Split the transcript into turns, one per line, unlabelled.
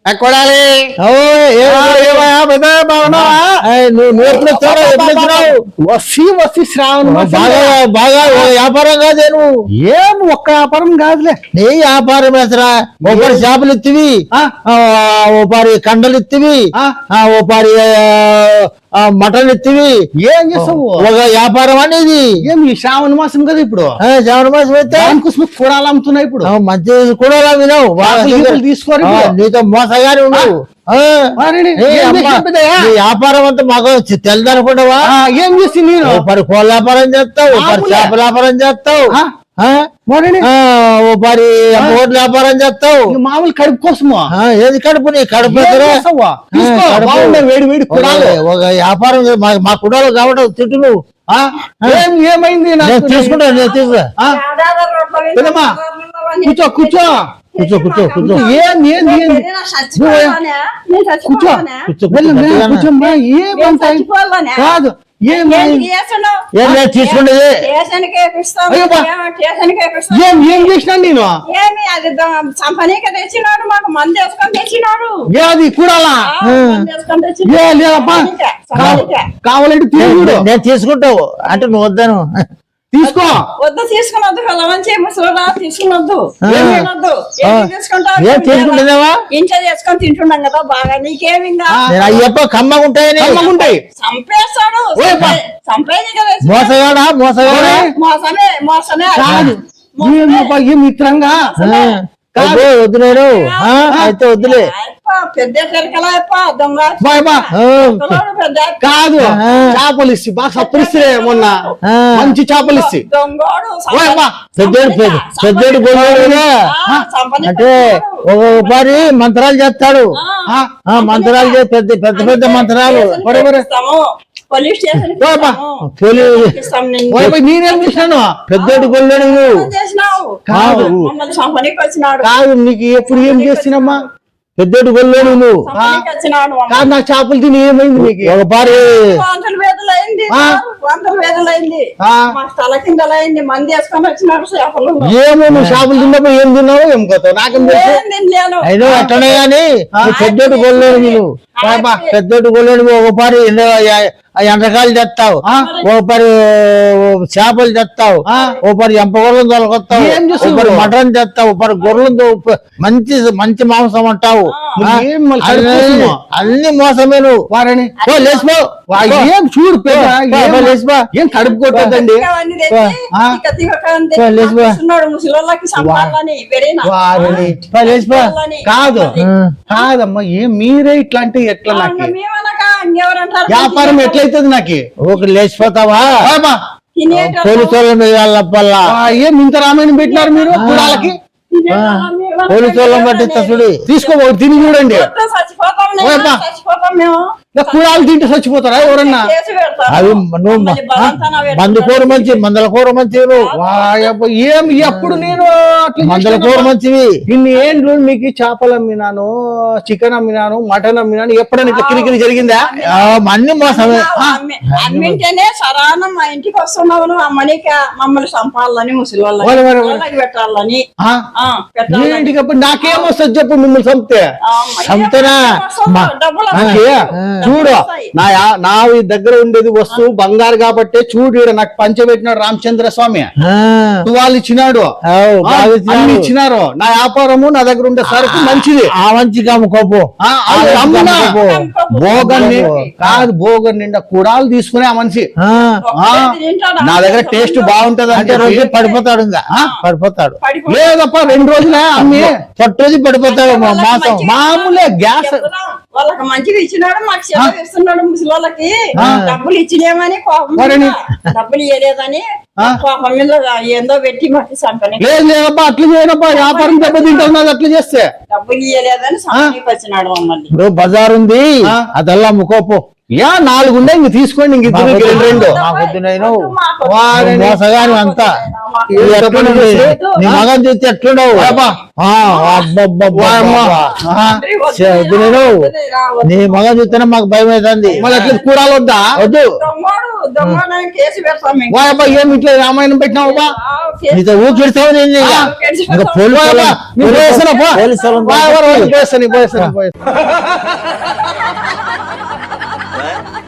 కొడాలి వస్తీ శ్రావణ
బాగా వ్యాపారం కాదే నువ్వు
ఏం ఒక్క వ్యాపారం కాదులే
నీ వ్యాపారం ఎసరా ఒకరి చేపలు ఇత్తివి ఓపారి కండలు ఇత్తివి ఓపారి మటన్ ఎత్తివి
ఏం చేస్తావు
ఒక వ్యాపారం అనేది
ఏం ఈ శ్రావణ మాసం కదా ఇప్పుడు
శ్రావణ మాసం అయితే
దానికోసం కూడాలు అమ్ముతున్నాయి ఇప్పుడు
మంచి కూడా వినవు
తీసుకోరు
నీతో మోసగానే ఉన్నావు వ్యాపారం అంతా మాకు తెలదనుకుంటావా
ఏం చేసి నేను
పరి కోళ్ళ వ్యాపారం చేస్తావు పరి చేపల వ్యాపారం చేస్తావు పరి ఓట్ల వ్యాపారం చేస్తావు
మామూలు కడుపు కోసమా
ఏది కడుపు నీ కడుపు
వేడి వేడి
ఒక వ్యాపారం మా కుడాలు కాబట్టి తిట్టు నువ్వు
ఏమైంది
తీసుకుంటావు నేను తీసుకురా
కూర్చో కూర్చో
కూర్చో కూర్చో కూర్చో
కాదు
ఏం తీసుకుంటేది
ఏం చేసినా నేను
తెచ్చినాడు మాకు మంది వేసుకొని తెచ్చినాడు
ఏది కూడాలా కావాలంటే తీసుకుంటా
నేను తీసుకుంటావు అంటే నువ్వు వద్దాను
తీసుకో
వద్దు తీసుకునొద్దు మంచి ముసలిరా తీసుకునొద్దు
తీసుకుంటున్నావా
ఇంట్లో చేసుకొని తింటున్నాం కదా బాగా నీకేమి
అయ్యప్ప కమ్మగుంటాయని
కమ్మగుంటాయి
చంపేస్తాడు చంపేది కదా
మోసగాడా మోసగాడా
మోసమే మోసమే
కాదు మిత్రంగా
వద్దు నేను అయితే వద్దులే
పెద్ద దొంగ
కాదు చేపలు ఇచ్చి బాగా సప్పరిస్తే మొన్న మంచి చేపలు ఇచ్చి
పెద్దోడు గొడవడుగా అంటే ఒకసారి మంత్రాలు చేస్తాడు మంత్రాలు పెద్ద పెద్ద పెద్ద మంత్రాలు
నేనేం చేసినాను
పెద్దోడు గొల్లోడు
కాదు కాదు నీకు ఎప్పుడు ఏం చేసినమ్మా
పెద్దోడు గొల్లోడు నువ్వు
కాదు నా చేపలు తిని ఏమైంది నీకు
ఒక పారి
మంది వేసుకొని వచ్చినాడు చేపలు
ఏమో నువ్వు చేపలు తిన్నప్పుడు ఏం తిన్నావు ఏం కొత్త నాకేం తెలుసు అయినా అట్టనే గాని పెద్దోడు గొల్లోడు నువ్వు పెద్దోడు గొల్లోడు ఒక పారి ఎండకాయలు తెస్తావు ఓ పరి చేపలు తెస్తావు ఓ పరి ఎంపగొర్రెలు తొలగొస్తావు ఒకరి మటన్ తెస్తావు పరి గొర్రెలు మంచి మంచి మాంసం అంటావు అన్ని మోసమే నువ్వు వారని లేచిపో
ఏం చూడు
లేచిపో
ఏం కడుపు కొట్టద్దండి
లేచిపో
కాదు కాదమ్మా ఏం మీరే ఇట్లాంటి ఎట్లా నాకు వ్యాపారం ఎట్లయితుంది నాకు
ఒక లేచిపోతావా పోలీసు వాళ్ళ మీద వాళ్ళ
ఏం ఇంత రామాయణం పెట్టినారు మీరు వాళ్ళకి
పోలీసు వాళ్ళని పట్టిస్తా చూడు
తీసుకోబోదు తిని చూడండి కూడాలు తింటే చచ్చిపోతారా ఎవరన్నా
అవి నువ్వు మంది కూర మంచి మందల కూర మంచి
ఏం ఎప్పుడు నేను
మందల కూర మంచివి
ఇన్ని ఏండ్లు మీకు చేపలు అమ్మినాను చికెన్ అమ్మినాను మటన్ అమ్మినాను ఎప్పుడైనా ఇట్లా కిరికిరి జరిగిందా
అన్ని మోసమే
అమ్మింటేనే సరాన మా ఇంటికి వస్తున్నావు అమ్మనిక మమ్మల్ని చంపాలని ముసలి వాళ్ళకి పెట్టాలని
ఏంటికప్పుడు నాకేమో వస్తుంది చెప్పు మిమ్మల్ని చంపితే
చంపుతానా
చూడు నా దగ్గర ఉండేది వస్తువు బంగారు కాబట్టి చూడు నాకు పంచబెట్టినాడు రామచంద్ర స్వామి వాళ్ళు ఇచ్చినాడు ఇచ్చినారు నా వ్యాపారము నా దగ్గర ఉండే సరుకు మంచిది
ఆ మంచి కమ్ముకోపు
భోగన్ కాదు భోగన్ నిండా కూడాలు తీసుకునే ఆ మనిషి నా దగ్గర టేస్ట్ బాగుంటది అంటే
రోజు పడిపోతాడు ఇంకా పడిపోతాడు
లేదప్ప 2 రోజులే అమ్మి
రోజు పడిపోతాడు మాసం
మామూలే గ్యాస్
వాళ్ళకి మంచిగా ఇచ్చినాడు మాకు సెలవు ఇస్తున్నాడు ముసలి వాళ్ళకి డబ్బులు ఇచ్చినేమని డబ్బులు ఇవ్వలేదని కోపం మీద ఏందో పెట్టి మాకు చంపని
లేదబ్బా అట్లా చేయనబ్బా వ్యాపారం దెబ్బతింటున్నది అట్లా చేస్తే
డబ్బులు ఇవ్వలేదని సంపనికి వచ్చినాడు మమ్మల్ని
ఇప్పుడు బజార్ ఉంది అదల్లా ముకోపు
4 ఉండే ఇంక తీసుకోండి ఇంక 2
మోసగాని అంతా నీ మగన్ చూస్తే ఎట్లుండవు నీ మగన్ చూస్తేనే మాకు భయం అవుతుంది
మళ్ళీ అట్లా కూడాలు వద్దా
వద్దు
దొంగ కేసు పెడతాం మేము.
వా అబ్బా ఏమి ఇట్లా రామాయణం పెట్టినావు బా
ఆ, కేసు
నీతో ఊపిస్తావు నేను ఇక.
కేసు
ఇంకా
పెడతాం.
పోలీసు
వా,
వాళ్ళని-
నీ పోయేస్తాను, పో.
పోలీసు వాళ్ళని
వా, వా, వా, పోయేస్తాను, పోయేస్తాను, పోయేస్తాను.